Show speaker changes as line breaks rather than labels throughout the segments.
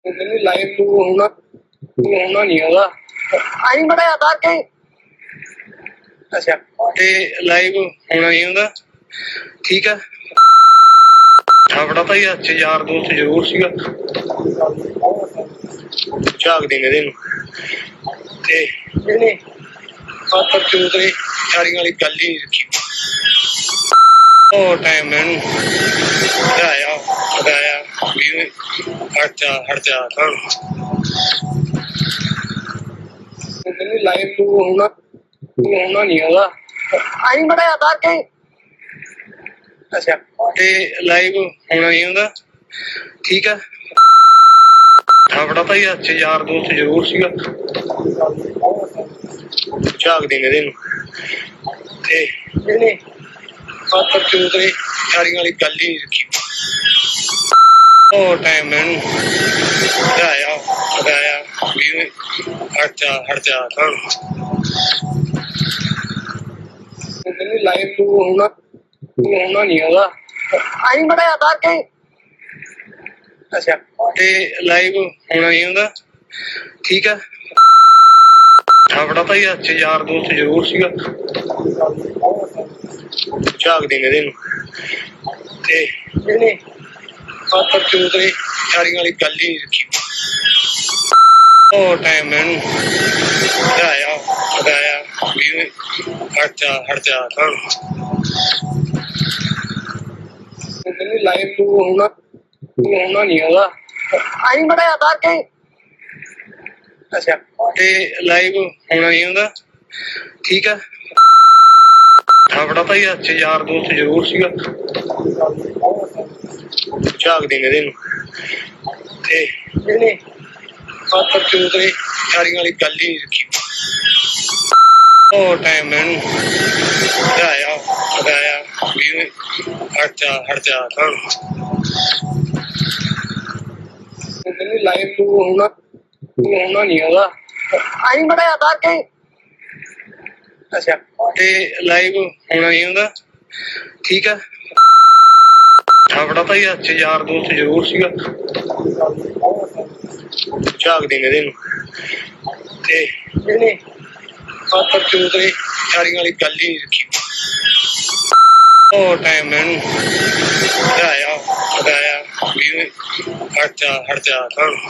ਮੈਨੂੰ ਲਾਈਵ ਨੂੰ ਹੋਣਾ ਨਹੀਂ ਹੈਗਾ। ਆਈ ਬੜਾ ਆਧਾਰ ਕੇ ਅੱਛਾ ਤੇ ਲਾਈਵ ਹੋਣਾ ਨਹੀਂ ਹੁੰਦਾ। ਠੀਕ ਆ ਆਪਣਾ ਭਾਈ ਅੱਜ ਯਾਰ ਦੋਸਤ ਜ਼ਰੂਰ ਸੀਗਾ ਝਾਕ ਦੇਂਗੇ ਇਹਨੂੰ ਤੇ ਇਹਨੇ ਆਪਾਂ ਚੌਧਰੀ ਚਾਰੀਆਂ ਵਾਲੀ ਗੱਲ ਹੀ ਨਹੀਂ ਰੱਖੀ। ਉਹ ਟਾਈਮ ਮੈਨੂੰ ਹਟਾਇਆ ਵੀ ਹਟ ਜਾ ਮੈਨੂੰ ਲਾਈਵ ਨੂੰ ਹੋਣਾ ਨਹੀਂ ਹੈਗਾ। ਆਈ ਬੜਾ ਆਧਾਰ ਕੇ ਅੱਛਾ ਤੇ ਲਾਈਵ ਹੋਣਾ ਨਹੀਂ ਹੁੰਦਾ। ਠੀਕ ਆ ਆਪਣਾ ਭਾਈ ਅੱਜ ਯਾਰ ਦੋਸਤ ਜ਼ਰੂਰ ਸੀਗਾ ਝਾਕ ਦੇਂਗੇ ਇਹਨੂੰ ਤੇ ਇਹਨੇ ਆਪਾਂ ਚੌਧਰੀ ਚਾਰੀਆਂ ਵਾਲੀ ਗੱਲ ਹੀ ਨਹੀਂ ਰੱਖੀ। ਉਹ ਟਾਈਮ ਮੈਨੂੰ ਹਟਾਇਆ ਵੀ ਹਟ ਜਾ ਮੈਨੂੰ ਲਾਈਵ ਨੂੰ ਹੋਣਾ ਨਹੀਂ ਹੈਗਾ। ਆਈ ਬੜਾ ਆਧਾਰ ਕੇ ਅੱਛਾ ਤੇ ਲਾਈਵ ਹੋਣਾ ਨਹੀਂ ਹੁੰਦਾ। ਠੀਕ ਆ ਆਪਣਾ ਭਾਈ ਅੱਜ ਯਾਰ ਦੋਸਤ ਜ਼ਰੂਰ ਸੀਗਾ ਝਾਕ ਦੇਂਗੇ ਇਹਨੂੰ ਤੇ ਇਹਨੇ ਆਪਾਂ ਚੌਧਰੀ ਚਾਰੀਆਂ ਵਾਲੀ ਗੱਲ ਹੀ ਨਹੀਂ ਰੱਖੀ। ਉਹ ਟਾਈਮ ਮੈਨੂੰ ਹਟਾਇਆ ਵੀ ਹਟ ਜਾ ਮੈਨੂੰ ਲਾਈਵ ਨੂੰ ਹੋਣਾ ਨਹੀਂ ਹੈਗਾ। ਆਈ ਬੜਾ ਆਧਾਰ ਕੇ ਅੱਛਾ ਤੇ ਲਾਈਵ ਹੋਣਾ ਨਹੀਂ ਹੁੰਦਾ। ਠੀਕ ਆ ਆਪਣਾ ਭਾਈ ਅੱਜ ਯਾਰ ਦੋਸਤ ਜ਼ਰੂਰ ਸੀਗਾ ਝਾਕ ਦੇਂਗੇ ਇਹਨੂੰ ਤੇ ਇਹਨੇ ਆਪਾਂ ਚੌਧਰੀ ਚਾਰੀਆਂ ਵਾਲੀ ਗੱਲ ਹੀ ਨਹੀਂ ਰੱਖੀ। ਉਹ ਟਾਈਮ ਮੈਨੂੰ ਹਟਾਇਆ ਵੀ ਹਟ ਜਾ ਮੈਨੂੰ ਲਾਈਵ ਨੂੰ ਹੋਣਾ ਨਹੀਂ ਹੈਗਾ। ਆਈ ਬੜਾ ਆਧਾਰ ਕੇ ਅੱਛਾ ਤੇ ਲਾਈਵ ਹੋਣਾ ਨਹੀਂ ਹੁੰਦਾ। ਠੀਕ ਆ ਆਪਣਾ ਭਾਈ ਅੱਜ ਯਾਰ ਦੋਸਤ ਜ਼ਰੂਰ ਸੀਗਾ ਝਾਕ ਦੇਂਗੇ ਇਹਨੂੰ ਤੇ ਇਹਨੇ ਆਪਾਂ ਚੌਧਰੀ ਚਾਰੀਆਂ ਵਾਲੀ ਗੱਲ ਹੀ ਨਹੀਂ ਰੱਖੀ। ਉਹ ਟਾਈਮ ਮੈਨੂੰ ਹਟਾਇਆ ਵੀ ਹਟ ਜਾ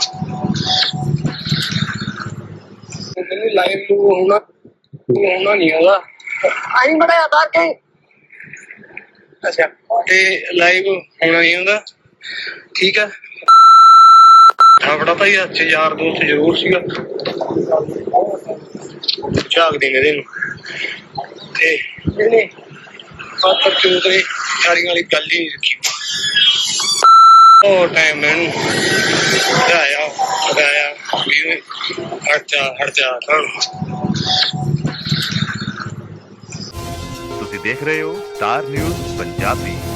ਮੈਨੂੰ ਲਾਈਵ ਨੂੰ ਹੋਣਾ ਨਹੀਂ ਹੈਗਾ। ਆਈ ਬੜਾ ਆਧਾਰ ਕੇ ਅੱਛਾ ਤੇ ਲਾਈਵ ਹੋਣਾ ਨਹੀਂ ਹੁੰਦਾ। ਠੀਕ ਆ ਆਪਣਾ ਭਾਈ ਅੱਜ ਯਾਰ ਦੋਸਤ ਜ਼ਰੂਰ ਸੀਗਾ ਝਾਕ ਦੇਂਗੇ ਇਹਨੂੰ ਤੇ ਇਹਨੇ ਆਪਾਂ ਚੌਧਰੀ ਚਾਰੀਆਂ ਵਾਲੀ ਗੱਲ ਹੀ ਨਹੀਂ ਰੱਖੀ। ਉਹ ਟਾਈਮ ਮੈਨੂੰ ਹਟਾਇਆ ਵੀ ਹਟ ਜਾ
ਤੁਸੀਂ ਦੇਖ ਰਹੇ ਹੋ ਸਟਾਰ ਨਿਊਜ਼ ਪੰਜਾਬੀ।